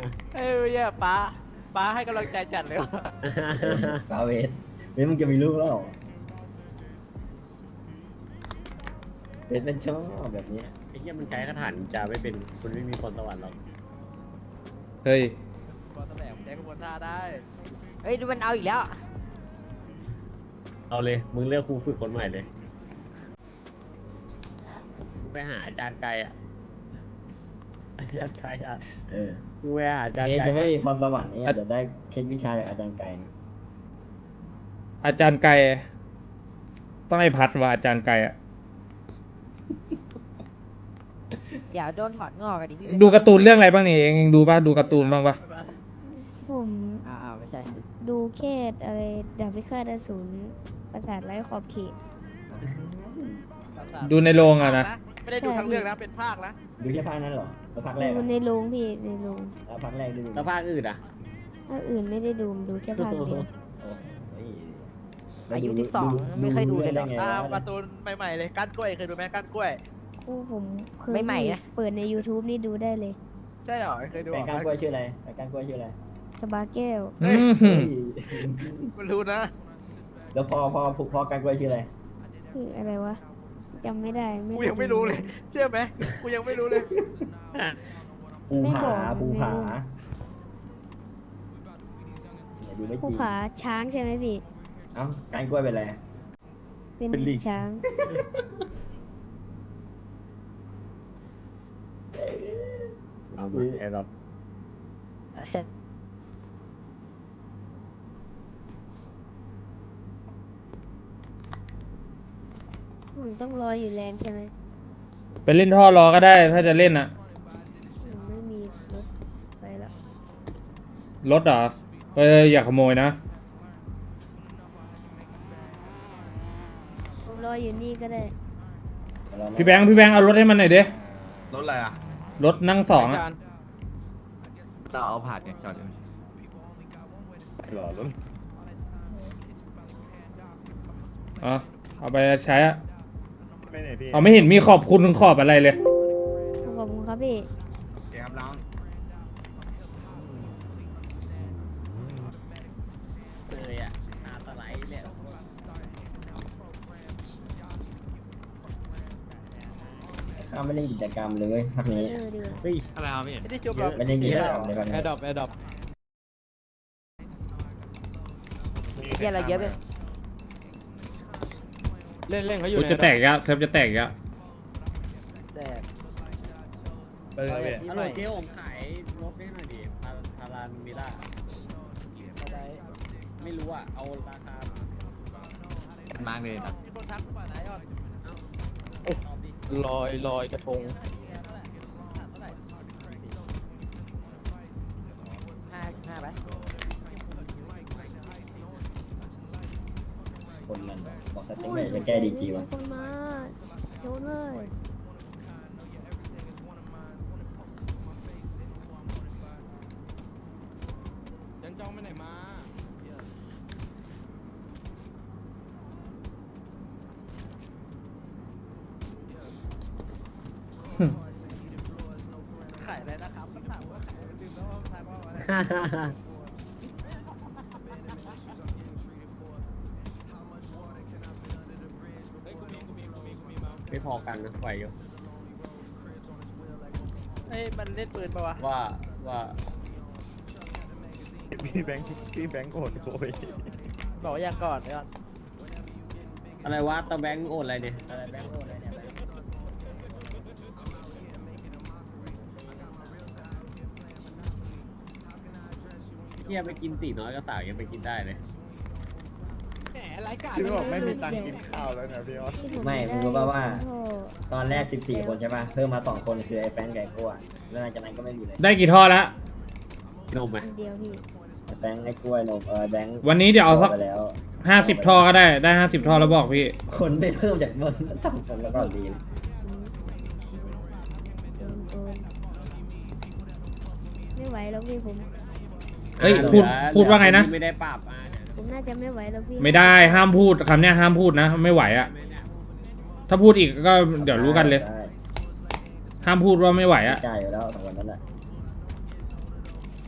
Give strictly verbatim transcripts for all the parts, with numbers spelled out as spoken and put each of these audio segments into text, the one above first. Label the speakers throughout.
Speaker 1: เอ้ยเนี่ยป้าป้าให้กำลังใจจัดเลยว่ะ
Speaker 2: ปาเวทเวทมึงจะมีลูกแล้วเหรอเวทมันชอบแบบเนี้ย
Speaker 3: ไอ้เหี้ยมันใช้คาถาจะไม่เป็นคุณไม่มีพรสวรรค์หรอก
Speaker 4: เฮ้ย
Speaker 1: บอลตะแหลมแจ็คบอลท่าได้
Speaker 5: เฮ้ยดูมันเอาอีกแล้ว
Speaker 3: เอาเลยมึงเลือกครูฝึกคนใหม่เลยไปหาอาจารย์ไกลอ่ะอาจารย์ไกลอ่ะ
Speaker 2: เออ
Speaker 3: มึงไปหาอาจารย์
Speaker 2: เวท
Speaker 3: ไกล
Speaker 2: จะไม่มีความสวรรค์เนี่ยจะได้เคล็ดวิชาจากอาจารย์ไก่นะ
Speaker 4: อาจารย์ไก่ต้องให้พัดว่าอาจารย์ไก่อะ
Speaker 5: เดี๋ยวโดนถอดงอกกันดิพี่
Speaker 4: ดูการ์ตูนเรื่องอะไรบ้างนี่เองเองดูป่ะดูการ์ตูนบ้างป่ะ
Speaker 6: ผม
Speaker 5: อ้าวไม่ใช่
Speaker 6: ดูแค่อะไรดาบพิฆาตอสูรปราสาทไร้ขอบเขต
Speaker 4: ดูในโรงอะนะ
Speaker 1: ไม่ได้ดูทั้งเรื่องนะเป็นภาคนะ
Speaker 2: ดูแค่ภาคนั้นเหรอแล้วภาคแรก
Speaker 6: ดู
Speaker 2: อะ
Speaker 6: ในโรงพี่ในโรง
Speaker 2: แล้วภาคแรกดู
Speaker 3: แล้วภาคอื่นอ่ะ
Speaker 6: ภาคอื่นไม่ได้ดูดูแค่ภาคเดียว
Speaker 2: โอ้ย
Speaker 5: อายุสิบสองไม่เคยดูเลยเหรอ
Speaker 2: ไง
Speaker 1: ตาม
Speaker 2: วะ
Speaker 1: การ์ตูนใหม่ๆเลยก้านกล้วยเคยดูไหมก้านกล้วย
Speaker 6: คู่ผมเคย
Speaker 5: ไม่ใหม่นะ
Speaker 6: เปิดใน YouTube นี่ดูได้เลย
Speaker 1: ใช่เหรอเคยดู
Speaker 2: แฟ
Speaker 1: เหร
Speaker 2: น
Speaker 1: อ
Speaker 2: ก้านกล้วยชื่ออะไรแฟนก้านกล้วยชื่ออะไร
Speaker 6: ชบาแก้ว
Speaker 4: อืม
Speaker 2: เฮ้ย
Speaker 1: มันรู้นะ
Speaker 2: แล้วพ่อพ่อพ่อก้านกล้วยชื่ออะไร
Speaker 6: คืออะไรวะจำไม่ได้
Speaker 1: กูยังไม่รู้เลยเชื่อไหมกูยังไม่รู้เลย
Speaker 2: ปูผาปูผาเนี่ยดูไม่จ
Speaker 6: ผู้
Speaker 2: ริง
Speaker 6: ผาช้างใช่ไหมพี่
Speaker 2: เอ้าก้านกล้วยเป็นอะไร
Speaker 6: เป็นช้าง
Speaker 3: เอามาไอ้รอบ
Speaker 6: ผมต้องรออยู่แลนด์ใช่ไหม
Speaker 4: ไปเล่นท่อรอก็ได้ถ้าจะเล่นอะ
Speaker 6: ผมไม่มีรถไปแล้ว
Speaker 4: รถเหรอเอออย่าขโมยนะ
Speaker 6: ผมรออยู่นี่ก็ได้
Speaker 4: พี่แบงค์พี่แบงค์เอารถให้มันหน่อยดิ
Speaker 7: รถอะไรอ่ะ
Speaker 4: รถนั่งสองอะ
Speaker 7: เราเอาผ่านไงจอดอยู่หรอรถ
Speaker 4: อ๋อเอาไปใช้อะ
Speaker 7: ไม่ไหนพี่
Speaker 4: เอาไม่เห็นมีขอบคุณขอบอะไรเลย
Speaker 6: ขอบคุณครับพี่
Speaker 7: เดี๋ยวครับน้อง
Speaker 3: เลยอ่ะหน้าสไลด์เนี่ย
Speaker 2: ข้าไม่เล่นกิจกรรมเลยภาคนี้
Speaker 6: เออดีกว่า
Speaker 3: เฮ้ย
Speaker 7: อะไรครับพี่
Speaker 1: ไม่ได้จบหรอก
Speaker 2: ไม่เล่นกิจกรรมเลยภาค
Speaker 1: แอ
Speaker 2: นี้
Speaker 1: ร์ดรอปแอร์ดรอป
Speaker 5: เดี๋ยวเราเยอะไป
Speaker 1: เล่นเล่นเขาอยู่
Speaker 4: กูจะแตกยะเซิร์ฟจะแตกยะ
Speaker 1: แตก
Speaker 7: เออพี่
Speaker 3: ฮัลโหลเจ๊ผมขายรถให้หน่อยดิพาพารามิล่าไม่รู้อ่ะเอาราคา
Speaker 7: มากเลยนะ
Speaker 1: มีคนทักมาไหนยอด
Speaker 8: ลอยลอยกระทง
Speaker 5: ห้าห้าไป
Speaker 2: คนมันบอกสเต็งไหนจะแก้ดีจีวะ
Speaker 6: มีคนมาโจนเลย
Speaker 8: ยังจ้องไปไหนมา
Speaker 1: ขายอะไรนะครับถามว่าขายลืมแล้วว่าขายว่าอะไร
Speaker 3: ฮ่าฮ่าฮ่า
Speaker 8: เฮ้ยกูมีกูมีกูมีกูมีมา
Speaker 3: ไม่พอกันนะไหวอยู่
Speaker 1: เฮ้ยมันเล่นปืนปะวะ
Speaker 3: ว่าว่า
Speaker 7: พี่แบงค์พี่แบงค์โอดโอย
Speaker 1: บอกว่าอยากก่อนยอด
Speaker 3: อะไรวะตะแบงค์โอนอะไรเนี่ยอะไรแบงค์โอนอะไรเนี่ยเฮียไปกินตีน้อยก็สาวยังไปกินได้เลย
Speaker 1: แหมรายการ
Speaker 7: คือบอกไม่มีตังค์กินข้าวแล้วนะพี่ออส
Speaker 6: ที่ผ
Speaker 2: ไม่มึงรู้
Speaker 6: ด้
Speaker 2: ป่าวว่า
Speaker 6: โอ้
Speaker 2: ตอนแรกสิบสี่คนใช่ป่ะเพิ่มมาสองคนคือไอ้แฟนไก่กล้วยแล้วหลังจากนั้นก็ไม่มีเลย
Speaker 4: ได้กี่ท่อละ
Speaker 3: นมไหม
Speaker 6: อันเดียวพี่
Speaker 2: ไอ้แฟนไอ้กล้วยนมเออแบงค์
Speaker 4: วันนี้เดี๋ยวเอาสัก
Speaker 2: ไปแล้ว
Speaker 4: ห้าสิบท่อก็ได้ได้ห้าสิบท่อแล้วบอกพี่
Speaker 2: คนไม่เพิ่มจากเมืองต่ำคนแล้วก็ดี
Speaker 6: โดนโดนไม่ไหวแล้วพี่ผม
Speaker 4: เฮ้ยพูดพูดว่าไงนะ
Speaker 3: ไม่ได้ปรับอ่ะเดี๋ยว
Speaker 6: ผมน่าจะไม่ไหวแล้วพี่
Speaker 4: ไม่ได้ห้ามพูดคำเนี้ยห้ามพูดนะไม่ไหวอะถ้าพูดอีกก็เดี๋ยวรู้กันเลย
Speaker 2: ได้
Speaker 4: ห้ามพูดว่าไม่ไหวอะ
Speaker 2: จ่ายอยู่แล้วสองคนนั้นแหละ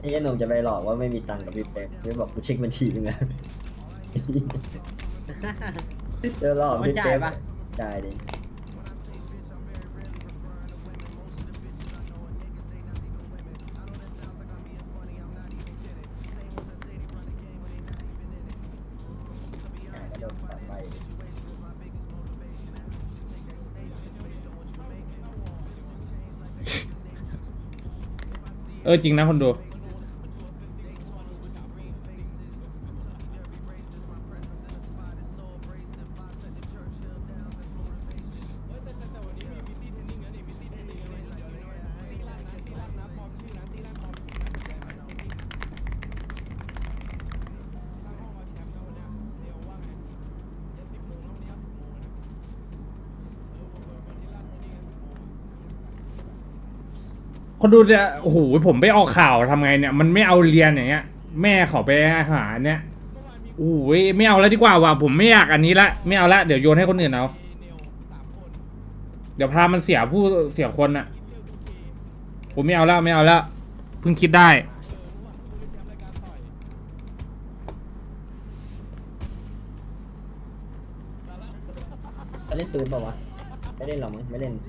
Speaker 2: นี่ไอ้หนุ่มจะไปหลอกว่าไม่มีตังค์กับพี่เป๊ปพี่บอกกูเช็คบัญชีมึงนะ เจอหลอกพี่เป๊ปจ่ายดิกระโดดต่อไป
Speaker 4: เออจริงนะคนดูคนดูจะโอ้โหผมไปออกข่าวทำไงเนี่ยมันไม่เอาเรียนอย่างเงี้ย แม่เขาไปหาเนี่ยโอ้ยไม่เอาแล้วดีกว่าว่ะผมไม่อยากอันนี้ละไม่เอาละเดี๋ยวโยนให้คนอื่นเอาเดี๋ยวพามันเสียผู้เสียคนอะผมไม่เอาแล้วไม่เอาแล้วเพิ่งคิดได้
Speaker 2: เล่นปืนเปล่าวะไม่เล่นหรอมั้งไม่เล่น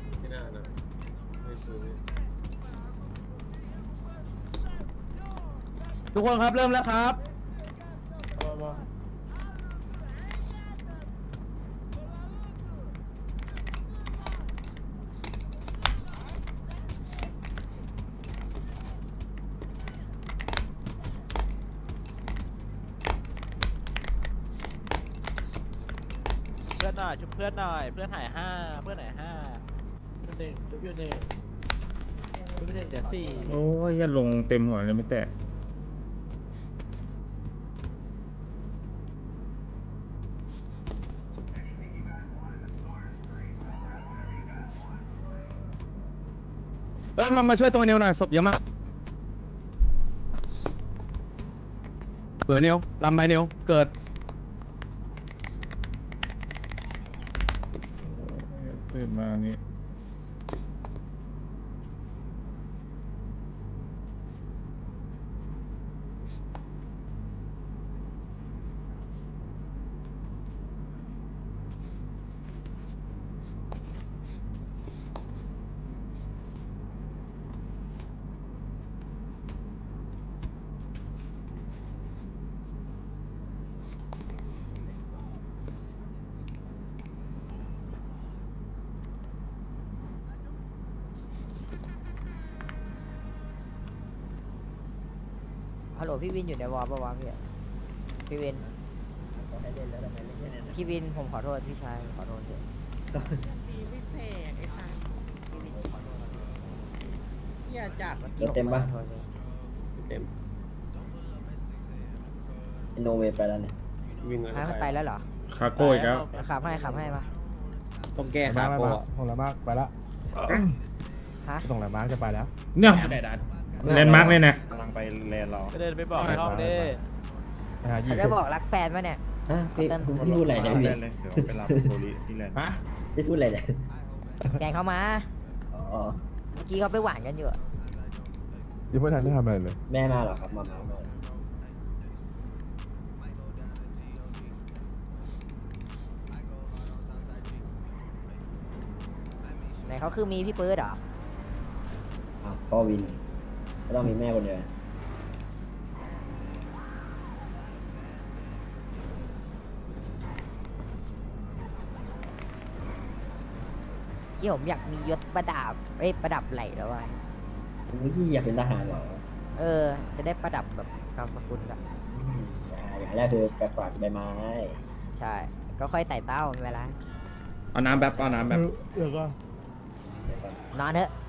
Speaker 7: ทุกคนครับเริ่มแล้วครับ
Speaker 1: เพื่อนหน่อยชุบเพื่อนหน่อยเพื่อนหายห้าเพื่อนหายห้าเพื่อนหนึ่งชุบอยู่หนึ่งชุบอยู่หนึ่งเดี๋ยวสี่
Speaker 4: โอ้ยอย่าลงเต็มหัวเลยไม่แตะ
Speaker 7: เอ้ยมามาช่วยตัวเนียวหน่อยศพเยอะมากเปิดเนียวลำไปเนียวเกิด
Speaker 4: ตื่นมานี่
Speaker 5: ฮัลโหลพี่วินอยู่ในวอลปะวะพี่พี่วินพี่วินผมขอโทษพี่ชายขอโทษพี่พี่วินผมขอโทษ
Speaker 1: อย่าจัด
Speaker 2: รถเต็มปะ
Speaker 5: ขอโทษ
Speaker 3: เต็ม
Speaker 2: โนเวย์ไปแล้วเนี่ย
Speaker 3: วิ่ง
Speaker 5: ฮะมันไปแล้วเหรอ
Speaker 4: คาโก้อีกแล้ว
Speaker 5: ขับให้ขับให้ปะ
Speaker 3: ต้องแก้ขาโก้อะ
Speaker 8: ของละมากไปละ
Speaker 5: ฮะ
Speaker 8: ส่งละมากจะไปแล้ว
Speaker 4: เนี่ยแลนด์มาร์กเลยนะ
Speaker 8: กำลังไปแลนด์เรา
Speaker 1: ก็เดินไปบอกในห้องดิ
Speaker 8: หายี่
Speaker 5: เขาจะบอกรักแฟนปะเนี่ย
Speaker 2: ฮะพี่พี่พูดอะไรเนี่ยพี่
Speaker 8: แลนด์เลยเดี๋ยวไปรับโทริที่แลนด์ฮะ
Speaker 2: พี่พูดอะไรเนี่ย
Speaker 5: แกงเขามา
Speaker 2: อ๋อ
Speaker 5: เมื่อกี้เขาไปหวานกันอยู่อะ
Speaker 8: ยังไม่ทันได้ทำอะไรเลย
Speaker 2: แม่มาเหรอครับมามามา
Speaker 5: ไหนเขาคือมีพี่ปื๊ดเหรอ
Speaker 2: อ้าวพ่อวินก็ต้องมีแม่คนเดียว
Speaker 5: ที่ผมอยากมียศประดับเอ้ยประดับไหล่แล้วว่ะ
Speaker 2: พี่อยากเป็นทหารเหรอ
Speaker 5: เออ จะได้ประดับแบบนามสกุลอะ
Speaker 2: อ่าอย่างแรกคือแกะกวาดใบไม้
Speaker 5: ใช่ ก็ค่อยไต่เต้าไม่เป็นไร
Speaker 4: เอาน้ำแบบเอาน้ำแบบ
Speaker 8: เดี๋ยวก็
Speaker 5: นอนเถอะ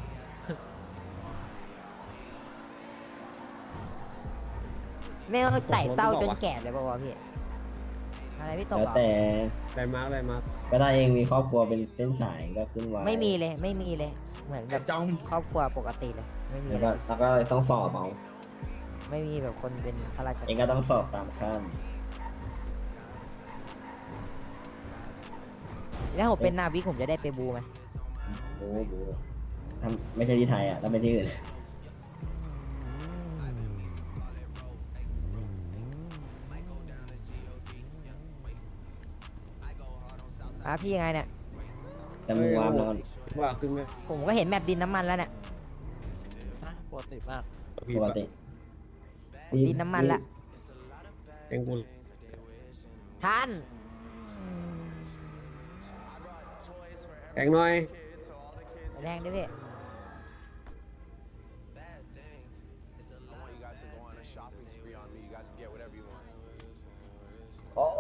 Speaker 5: ไม่ต้องไต่เต้าจนแก่เลยป่าวะพี่ อะไรพี่ตก
Speaker 2: แล้ว
Speaker 5: เหรอ
Speaker 2: แต่
Speaker 3: ได้มาร์กได้มาร์ก
Speaker 2: ก็ถ้าเองมีครอบครัวเป็นเส้นสายก็ขึ้นไว้
Speaker 5: ไม่มีเลย ไม่มีเลย เหมือนแบบครอบครัวปกติเลย ไม่มี
Speaker 2: แล้ว
Speaker 5: เล
Speaker 2: ก็
Speaker 5: ย
Speaker 2: แล้วก็ต้องสอบเอา
Speaker 5: ไม่มีแบบคนเป็นข้าราช
Speaker 2: เอง
Speaker 5: การ
Speaker 2: ก็ต้องสอบตามขั้น
Speaker 5: แล้วผมเป็นนาวิกผมจะได้ไปบูไหม
Speaker 2: โอ้โหทำไม่ใช่ที่ไทยอ่ะต้องไปที่อื่น
Speaker 5: อ่ะพี่ยังไงเนี่ย
Speaker 2: แต่มึงวามแล้ว
Speaker 3: ว่าขึ้นไหม
Speaker 5: ผมก็เห็นแมปดินน้ำมันแล้วเนี่ย
Speaker 1: นะปกติมาก
Speaker 3: พี่
Speaker 2: ปกติ
Speaker 5: ดินน้ำมันละ
Speaker 3: เองกู
Speaker 5: ท่าน
Speaker 3: แข่งหน่อย
Speaker 5: แรงด้วยพี่
Speaker 2: โอ้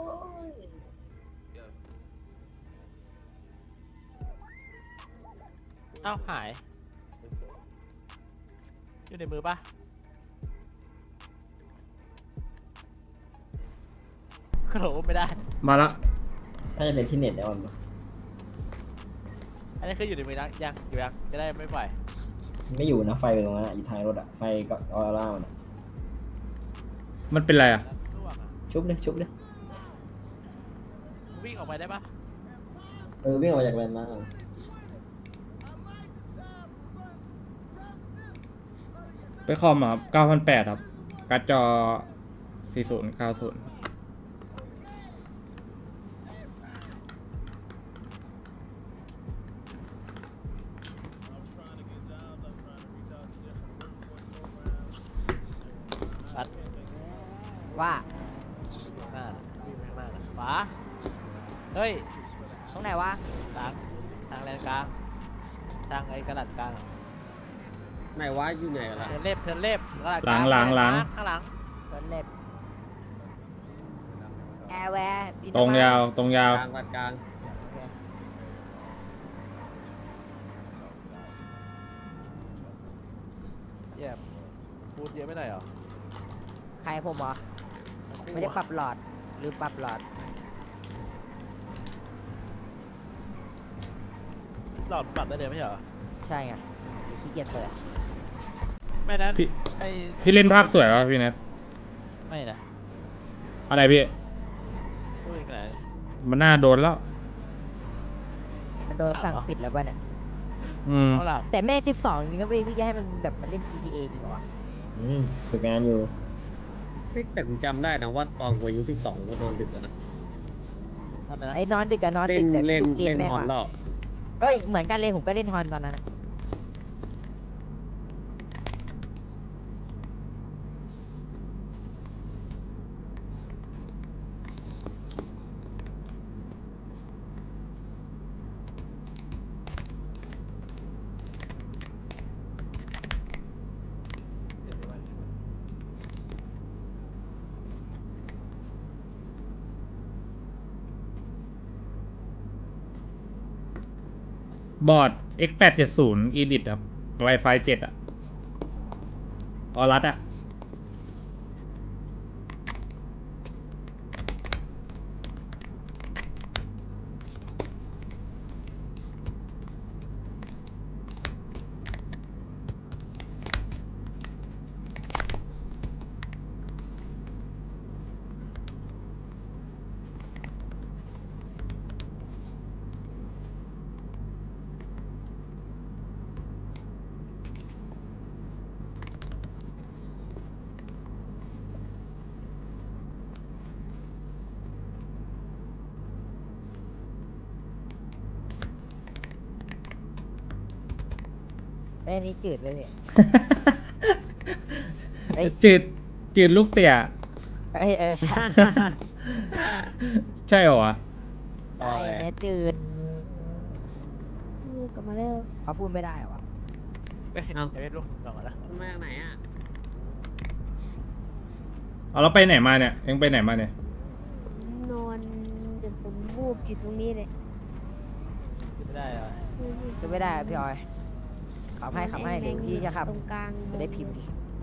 Speaker 1: เอ้าหาย อยู่ในมือปะโอ้โหไม่ได้
Speaker 4: มาละ
Speaker 2: น่าจะเป็นที่เน็ตแล้วมั้ง
Speaker 1: อันนี้คืออยู่ในมือยังยังอยู่ยังจะได้ไม่ปล่อย
Speaker 2: ไม่อยู่นะไฟอยู่ตรงนั้นอะอยู่ท้ายรถอะไฟก็ออร่ามันอะ
Speaker 4: มันเป็นไรอ่ะ
Speaker 1: ล่วงอะ
Speaker 2: ชุบเลยชุบเลย
Speaker 1: วิ่งออกไปได้ปะ
Speaker 2: เออวิ่งออกมาจากแลนด์มาร์ค
Speaker 4: ไปคอมอ่ะเก้าพันแปดครับ การ์ดจอสี่ศูนย์เก้าศูนย์
Speaker 1: ปัด
Speaker 5: ว่า
Speaker 1: หน้าวิ่งไปข้างหน้าน่ะขวาเฮ้ย
Speaker 5: ตรงไหนวะ
Speaker 1: ทางทางแลนกลางทางไอ้กระดาษกลาง
Speaker 3: ไหนวะอยู่ไหนกันล่ะ
Speaker 1: เทิร์นเล็บเทิร์นเล็บกระดาษ
Speaker 4: หลังหลังหลัง
Speaker 1: ข้างหลัง
Speaker 5: เดินเล็บแอร์แวร์ดิน
Speaker 4: ตรง
Speaker 5: น้ำมัน
Speaker 4: ยาวตรงยาว
Speaker 3: กลางวัดกลาง
Speaker 1: เยี่ยมพูดเยอะไม่ได้เหรอ
Speaker 5: ใครผมเหรอ ไม่ได้ปรับหลอด หรือปรับหลอด
Speaker 1: หลอดปรับได้เลยไม่ใช่เหรอ
Speaker 5: ใช่ไงขี้เกียจเปิด
Speaker 1: ไม่นั้น
Speaker 4: พี่
Speaker 1: ไอ้
Speaker 4: พี่เล่นภาคสวยป่ะพี่เน็ต
Speaker 1: ไม่นะ
Speaker 4: อะไรพี่
Speaker 1: พูดอีกไหน
Speaker 4: มันน่าโดนแล้ว
Speaker 5: มันโดนสั่งปิดแล้วป่ะเนี่ย
Speaker 4: อืม
Speaker 1: เอาหลัง
Speaker 5: แต่แม่สิบสองจริงก็พี่พี่จะให้มันแบบมันเล่น จี ที เอ ดีกว่า
Speaker 2: อืมฝึกงานอยู่
Speaker 3: เฮ้ยแต่ผมจำได้นะว่าตอนกูอายุสิบสองก็นอนดึกแล้วนะ
Speaker 1: ทำไมนะ
Speaker 5: ไอ้นอนดึกกับนอน
Speaker 3: เล่
Speaker 5: ดึ
Speaker 3: น
Speaker 5: กแต่
Speaker 3: เล่น
Speaker 5: เกม
Speaker 3: เล่น
Speaker 5: แม่ง
Speaker 3: ฮอน
Speaker 5: ว่ะ
Speaker 3: แล้ว
Speaker 5: เฮ้ยเหมือนกันเลยผมก็เล่นฮอนตอนนั้นอะ
Speaker 4: บอร์ด เอ็กซ์ แปดเจ็ดศูนย์ Edit ครับ Wi-Fi เจ็ดอ่ะ ออรัสอ่ะ
Speaker 5: ไอ้ยนี่จืดไปเลยเอ้ย
Speaker 4: จืด จืดลูกเตี่ย
Speaker 5: เอ้ยเออใช่
Speaker 4: ใช่เหรอวะ
Speaker 5: ไอ้เนี่ยจืด
Speaker 6: ลูกกลับมาเร็ว
Speaker 5: เขาพูดไม่ได้เหรอวะ
Speaker 1: เฮ้ย
Speaker 3: เอา
Speaker 1: เดี๋ยวไปลูกก่อนนะ
Speaker 3: มาจากไหนอ่ะ
Speaker 4: เอาเราไปไหนมาเนี่ย เอ็งไปไหนมาเนี่ย
Speaker 6: ผมนอนเดี๋ยวผมวูบอยู่ตรงนี้เลย
Speaker 1: ไม่ได้เหรอ
Speaker 5: คือไม่ได้อะพี่ออยขับให้ขับให้เดี๋ยวพี่จะขับ
Speaker 6: ตรงกลาง
Speaker 5: จะได้พิมพ์ดิ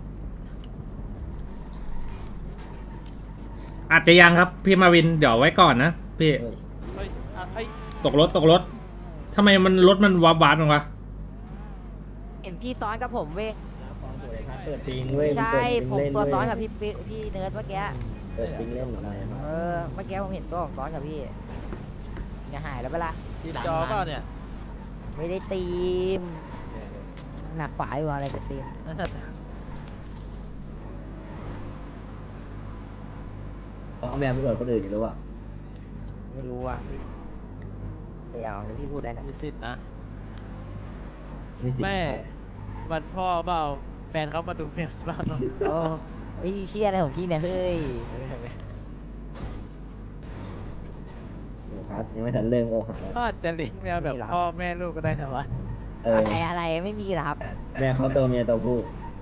Speaker 4: อาจจะยังครับ พี่มาวิน เดี๋ยวไว้ก่อนนะ พี่
Speaker 2: เฮ้ย
Speaker 1: เฮ้ยอ่ะเฮ้ย
Speaker 4: ตกรถ ตกรถ ทำไมมันรถมันวับวับมั้งวะ
Speaker 5: เห็นพี่ซ้อนกับผมเว้ย
Speaker 2: เปิดปิงเว้ย
Speaker 5: ใช่
Speaker 2: เปิดปิง
Speaker 5: ผม
Speaker 2: เล่น
Speaker 5: ตัว
Speaker 2: เว้ย
Speaker 5: ซ้อนกับพี่ปิ๊พี่เนิร์ดเมื่อกี้
Speaker 2: เปิดปิงเล่นอะไรครับ
Speaker 5: เออเมื่อกี้ผมเห็นตัวผมซ้อนกับพี่อย่าหายแล้วเปะล่า
Speaker 1: ทีมจอเปล่าเนี่ย
Speaker 5: ไม่ได้ตีมหนักฝาอยู่อะไรจะตีม
Speaker 1: นั่นน่ะ
Speaker 2: เอาแบบไปเปิดคนอื่นอยู่หรือเปล่า
Speaker 5: ไม่รู้อ่ะเดี๋ยวเดี๋ยวพี่พูดได้นะ
Speaker 1: มีสิทธิ์นะ
Speaker 2: นี่สิ
Speaker 1: แม่วันพ่อเปล่าแฟนเขามาดูเพลงบ้างเนาะ
Speaker 5: โอ้ไอ้เชี่ยอะไรของพี่เนี่ยเฮ้ย
Speaker 2: โอ้ครับยังไม่ทันเริ่มโอ้หักแล้ว
Speaker 1: ก็อาจจะลิงก์แมวแบบพ่อแม่ลูกก็ได้นะวะ
Speaker 2: เออ
Speaker 5: อะไรอะไรไม่มีหรอกครับ
Speaker 2: แม่เขาตัวเมียตัวผู้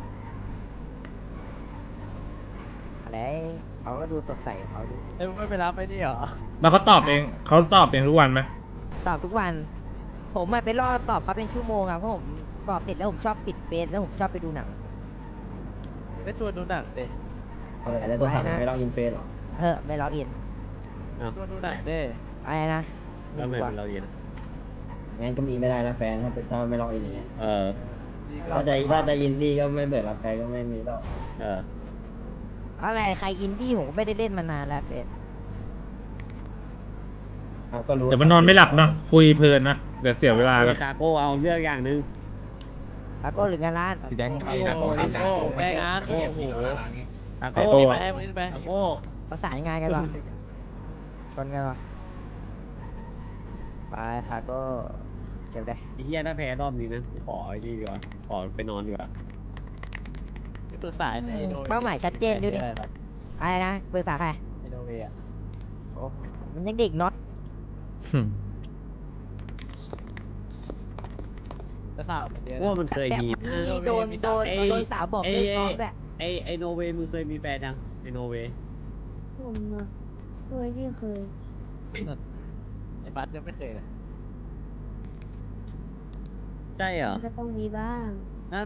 Speaker 5: อะไรเขาก็ดูสดใสของเขาดู
Speaker 1: เอ้ยมึงไม่ไปรับไอ้นี่เหรอ
Speaker 4: แล้วเขาตอบเองเขาตอบเองทุกวันไหม
Speaker 5: ตอบทุกวัน ผมอะไปรอตอบเขาเป็นชั่วโมงอะเพราะผมตอบเสร็จแล้วผมชอบปิดเฟซแล้วผมชอบไปดูหนัง
Speaker 1: ไปชวนดูหนังดิ
Speaker 2: เอาอะไรแล้วตัวหัก
Speaker 5: ไม่นะ
Speaker 2: ไม่ต้องอินเฟซหรอ
Speaker 5: เออไม่ล็อกอิน
Speaker 1: ชวนดูหนังดิ
Speaker 5: อะไรนะ
Speaker 3: แล้วไม่เป็นเราเย็น
Speaker 2: งั้นก็มีไม่ได้นะแฟนถ้าเป็นถ้าไม่ลองอินอย่างเงี้ย
Speaker 3: เออ
Speaker 1: ดีก็
Speaker 2: ถ้าจะถ้าจะอินดี้ก็ไม่เปิดรับแฟนก็ไม่มีหรอก
Speaker 3: เออ
Speaker 5: อะไรใครอินดี้ผมก็ไม่ได้เล่นมานานแล้วเฟซ
Speaker 2: เอาก็รู้
Speaker 4: เดี๋ยวมันนอนไม่หลับเนาะคุยเพลินนะเดี๋ยวเสียเวลา
Speaker 3: ค
Speaker 4: กัน
Speaker 3: าโก้เอาเรื่องอย่างหนึ่ง
Speaker 5: แล้วก็หรืองานร้าน
Speaker 7: สีแดง
Speaker 1: โอ้โหโอ้โหแบงค์อาร์ตโอ้โห
Speaker 3: คา
Speaker 1: ไป
Speaker 3: โก้
Speaker 1: ไปไปไป
Speaker 3: คาโก้
Speaker 5: ประสานงานกันหรอชนกันหรอไปค่ะก็เก็บได้
Speaker 3: ไอ้เฮียถ้าแพ้รอบนี้นะขอไอ้นี่ดีกว่าขอไปนอนดีกว่า
Speaker 1: ปรึกษาไอ้โน
Speaker 5: เป้าหมายชัดเจนดูดิอะไรนะปรึกษาใคร
Speaker 1: ไอ้โนเวอะ
Speaker 5: โอ้มันยังเด็กน็อต
Speaker 1: จะสาวเหมือนเดิม
Speaker 3: ว่ามันเคยมี
Speaker 5: แบบมีโดนโดน
Speaker 3: ไอ้
Speaker 5: โดนสาวบอก
Speaker 3: ไอ้
Speaker 5: เลิกน้องแบบ
Speaker 3: ไอ้ไอ้โนเวย์มึงเคยมีแฟนยังไอ้โนเวย์
Speaker 6: ผมอะเคยที่เคย
Speaker 1: ไอ้บัสยังไม่เคยเลย
Speaker 3: ใช่เหรอ
Speaker 6: มันก็ต้องมีบ้าง
Speaker 1: นั่น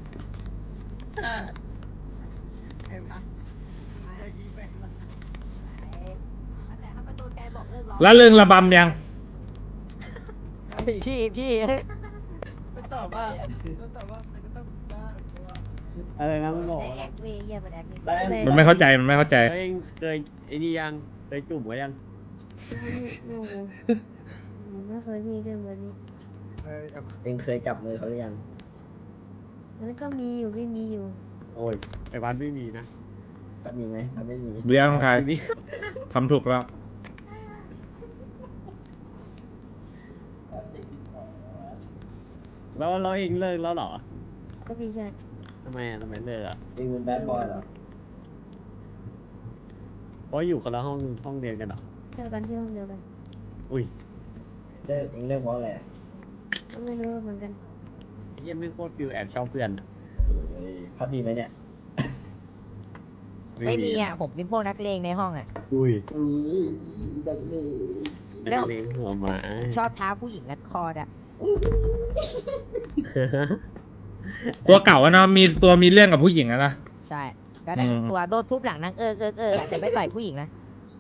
Speaker 4: แล้วเรื่องระบำยัง
Speaker 5: พี่พี่
Speaker 1: ไม่ตอบว่าไม่ตอบว่ามันก็ต้องได้
Speaker 3: อะไรนะมึงบอก
Speaker 5: แอคเวย์เยี่ยมแอคเวย์
Speaker 6: เลย
Speaker 4: มันไม่เข้าใจมันไม่เข้าใจ
Speaker 3: เคยเคยไอ้นี่ยังเคยจุ่มไว้ยัง
Speaker 6: ไม่เลยผมไม่เคยมีเรื่องแบบนี้
Speaker 2: เองเคยจับมือเขาหรือยัง
Speaker 6: มันก็มีอยู่ไม่มีอยู่
Speaker 3: โอ้ยไอ้วันไม่มีนะ
Speaker 2: ก็มีไหมถ้าไม่มี
Speaker 4: เรื่องใคร
Speaker 3: ไม่มี
Speaker 4: ทำถูกแล้ว
Speaker 3: แล้วเราเองเลิกแล้วเหรอ
Speaker 6: ก็พี่ชาย
Speaker 3: ทำไมอ่ะทำไมเลิกอ่ะ
Speaker 2: เองเป็นแบดบอยเหรอ
Speaker 3: เพราะอยู่คนละห้องห้องเรียนกันเหรอ
Speaker 6: เจอกันที่ห้องเดียวกัน
Speaker 3: อุ้ย
Speaker 2: เลิกเองเลิกเพราะอะไร
Speaker 6: ก็ไม่รู้เหมือนกัน
Speaker 3: ไอ้เหี้ยไม่งโคตรฟิลแอบชอบเพื่อนอะ
Speaker 2: เฮ้ยพัดมีไหมเนี่ย
Speaker 5: ไม่มีอ่ะผมเป็นพวกนักเลงในห้องอ่ะ
Speaker 3: อุ้ย
Speaker 2: อุ้ยดังเลย
Speaker 5: แล้ว
Speaker 3: นักเลงหัวหมา
Speaker 5: ชอบท้าผู้หญิงรัดคออ่ะ
Speaker 4: ตัวเก่าอะเนาะมีตัวมีเรื่องกับผู้หญิงอะนะ
Speaker 5: ใช่ก็ได้
Speaker 4: อืม
Speaker 5: ตัวโดนทุบหลังนั่งเอิกเอิกเอิกแต่ไม่ต่อยผู้หญิงนะ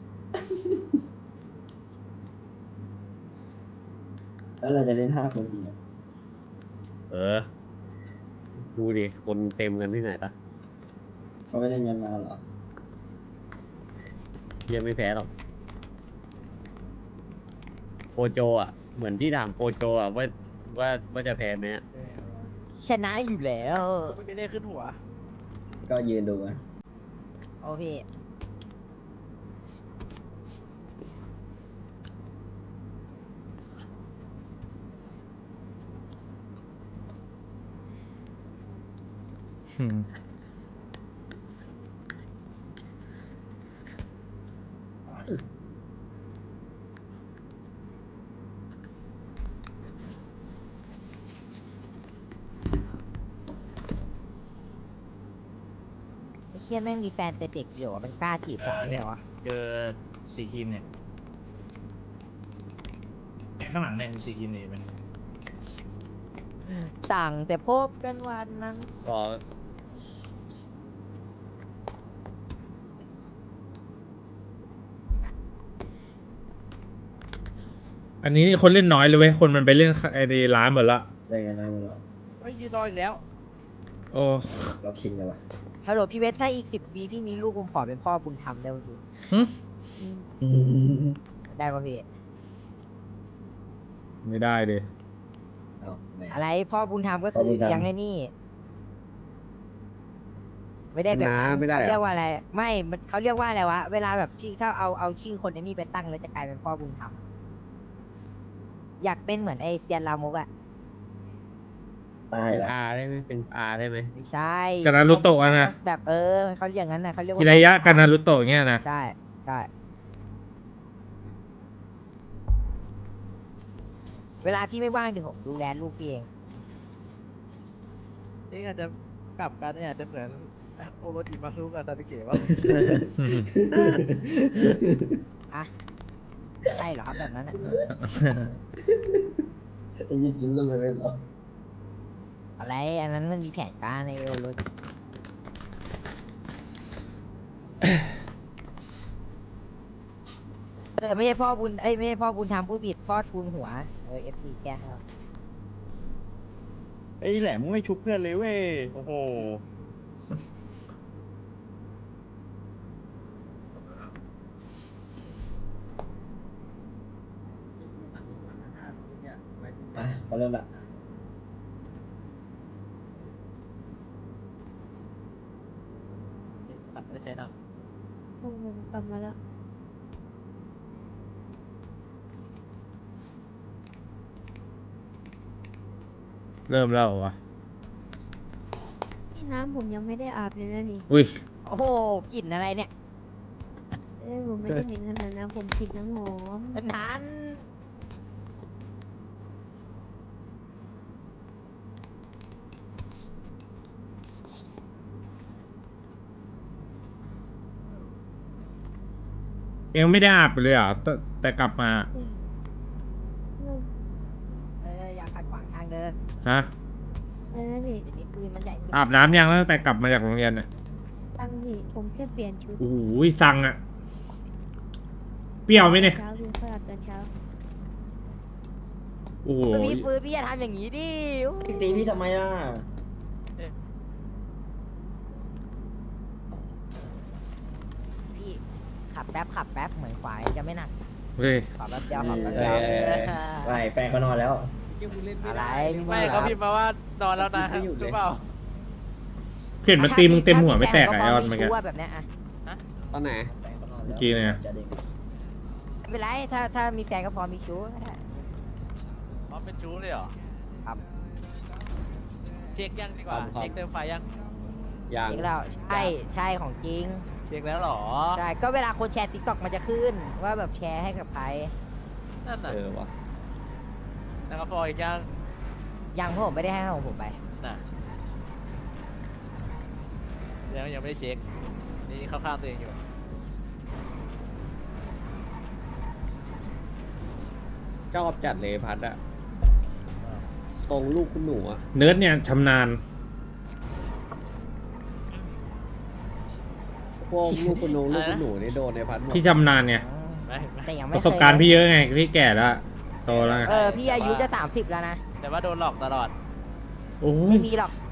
Speaker 2: แล้วเราจะเล่นห้าคนจริงเหรอ
Speaker 3: เออ ดูดิ คนเต็มกันที่ไหนล่ะ
Speaker 2: เขาไม่ได้เงินมาเหรอ
Speaker 3: เฮียไม่แพ้หรอกโปโจอ่ะ เหมือนที่ถามโปโจอ่ะว่าว่าว่าจะแพ้ไหมอะ
Speaker 5: ชนะอยู่แล้ว
Speaker 1: ไม่ได้ขึ้นหัว
Speaker 2: ก็ยืนดูอะ
Speaker 5: โอ้พี่
Speaker 4: อืม
Speaker 5: ไอ้เชี่ยแม่งมีแฟนแต่เด็กอยู่อะมันกล้าจีบสาวเนี่ยวะ
Speaker 4: เจอสีครีมเนี่ยข้างหลังเนี่ยสีครีมนี่มัน
Speaker 5: สั่งแต่พบกันวันนั้น
Speaker 3: ก็
Speaker 4: อันนี้คนเล่นน้อยเลยเว้ยคนมันไปเล่นไอ้ร้านหมดละ
Speaker 2: ได้เงินน้อยมาหรอ
Speaker 1: ไม่ยืนรออีกแล้ว
Speaker 4: โอ้
Speaker 2: เราคิงเลยวะ
Speaker 5: ฮัลโหลพี่เวทถ้าอีกสิบปีพี่มีลูกผมขอเป็นพ่อบุญธรรมได้ไหมพี่
Speaker 4: หึ
Speaker 5: ได้ป่ะพี่
Speaker 4: ไม่ได้ดิ
Speaker 2: เอาแหม
Speaker 5: อะไรพ่อบุญธรรมก็
Speaker 2: พ่อ
Speaker 5: คื
Speaker 2: บุ
Speaker 5: อ
Speaker 2: ญธรรม
Speaker 5: เลี้ยงไอ้นี่ ไม่ได้แบบ
Speaker 3: น้าไม่ได้
Speaker 5: เขา
Speaker 3: เหร
Speaker 5: เรียก
Speaker 3: อ
Speaker 5: ว่าอะไร ไม่มันเขาเรียกว่าอะไรวะ เวลาแบบที่ถ้าเอาเอาชื่อคนไอ้นี่ไปตั้งแล้วจะกลายเป็นพ่อบุญธรรมอยากเป็นเหมือนไอเซียนลามกอะ
Speaker 2: ตายแล้ว
Speaker 3: อาได้ไหมเป็นอาได้ไหม
Speaker 5: ไม่ใช่
Speaker 4: กานารุโตะอะนะ
Speaker 5: แบบเออเขาเรียกอย่างนั้นนะเขาเรียกว่า
Speaker 4: กิรายะกานารุโตะเงี้ยนะ
Speaker 5: ใช่ใช่เวลาพี่ไม่ว่างเดี๋ยวผมดูแลลูกพี่เอง
Speaker 1: นี่อาจจะกลับกันเนี่ยอาจจะเหมือนโอโรจิมาซุกับซาสึเกะว่า
Speaker 5: อะใช่เหรอครับแบบนั้นอะ
Speaker 2: ไอ้ยี่กินเรื่องอะไรเหรอ
Speaker 5: อะไรอันนั้นมันมีแผนการในเอวรถเออไม่ใช่พ่อบุญเอ้ยไม่ใช่พ่อบุญทำผู้ผิดพ่อทูนหัวเออเอฟซีแกให้เรา
Speaker 8: ไอ้แหลมไม่ชุบเพื่อนเลยเว้ย โอ้โห
Speaker 2: อ่ะเขาเริ่มละ
Speaker 1: ตัดไม่ได้ใช้น้
Speaker 6: ผมกลับมาแล้ว
Speaker 4: เริ่มแล้วเหรอวะ
Speaker 6: นี่น้ำผมยังไม่ได้อาบเลยนะนี่
Speaker 4: อุ้ย
Speaker 5: โอ้โหกลิ่นอะไรเนี่ย
Speaker 6: เอ้ยผมไม่ได้เห็นขนาดนั้นผมฉีดน้ำหอม
Speaker 5: นั้น
Speaker 4: ยังไม่ได้อาบเลยเหรอ่ะแต่แต่กลับมา
Speaker 5: เอออย่าขัดขวางทางเดิน
Speaker 4: ฮะ
Speaker 6: เออพี่
Speaker 5: เดี๋ยวนี้ปืนมันใหญ่ขึ้น
Speaker 4: อาบน้ำยังตั้งแต่กลับมาจากโรงเรียนเนี่ย
Speaker 6: ตั้งพี่ผมแค่เปลี่ยนชุด
Speaker 4: โอ้โหสั่งอะเปรี้ยวไหมเนี่ย
Speaker 6: เช้าพี่ค่อยอาบตอนเช้า
Speaker 4: โอ้โห
Speaker 5: พี่ปืนพี่อย่าทำอย่างนี้ดิโอ้
Speaker 2: พี่ตีพี่ทำไมล่ะ
Speaker 5: พี่ขับแป๊บขับแป๊บเหมือนขวายจะไม่หนัก
Speaker 4: เฮ้ย
Speaker 5: ขับแป๊บเดียวขับแป๊บ
Speaker 2: เอ
Speaker 5: เดียว
Speaker 2: อเออเออไม่แฟนเขานอนแล้ว
Speaker 5: อะไรพี่
Speaker 1: ำ
Speaker 5: มื
Speaker 1: ไม่
Speaker 5: อ
Speaker 1: เขาพิมพ์มาว่านอนแล้วนะหรือเปล่า
Speaker 4: เห็นมันตีมึงเต็มหัวไม่แตกอะไอออนเมื่อกี้
Speaker 5: ถ้าแบบเนี้ยอะ
Speaker 8: ตอนไหน
Speaker 2: แฟนเขานอน
Speaker 4: เมื่
Speaker 2: แล้ว
Speaker 4: อกี้เนี่ย
Speaker 2: จะเด็ก
Speaker 5: ไม่เป็นไรถ้าถ้ามีแฟนก็พอมีชู้ก็ได้
Speaker 1: อ๋อเป็นชู้เลยเหรอ
Speaker 5: ครับ
Speaker 1: เช็คยังดีกว่า
Speaker 8: ครับ
Speaker 1: เช็คเติมไฟยัง
Speaker 8: ยัง
Speaker 5: จริงแล้วใช่ใช่ของจริง
Speaker 1: เช็คแล้วเหรอ
Speaker 5: ใช่ก็เวลาคนแชร์ติ๊กต็อกมันจะขึ้น ว่าแบบแชร์ให้กับใคร
Speaker 1: นั่นน่ะ
Speaker 8: เออวะ
Speaker 1: แล้วก็พออีกยัง
Speaker 5: ยังเพราะผมไม่ได้ให้ของผมไป
Speaker 1: น่ะยังยังไม่ได้เช็คนี่เข้าข้างตัวเองอยู่
Speaker 8: ชอบจัดเลยพัดอะทรงลูกคุณหนูอะ
Speaker 4: เนิร์ดเนี่ยชำนาญ
Speaker 8: พวกลูกคุณนงลูกคุณหนูนี่โดนในพัดหมด
Speaker 4: พี่ชำนาญไง
Speaker 1: ไม่ไม่
Speaker 5: แต่ยัง
Speaker 4: ป
Speaker 5: ไม่
Speaker 4: ระสบการณ์พี่เยอะไงพี่แก่แล้วโตแล้วไง
Speaker 5: เออพี่อายุจะสามสิบแล้วนะ
Speaker 1: แต่ว่าโดนหลอกตลอด
Speaker 4: โอ้ย
Speaker 5: ไม่มีหรอก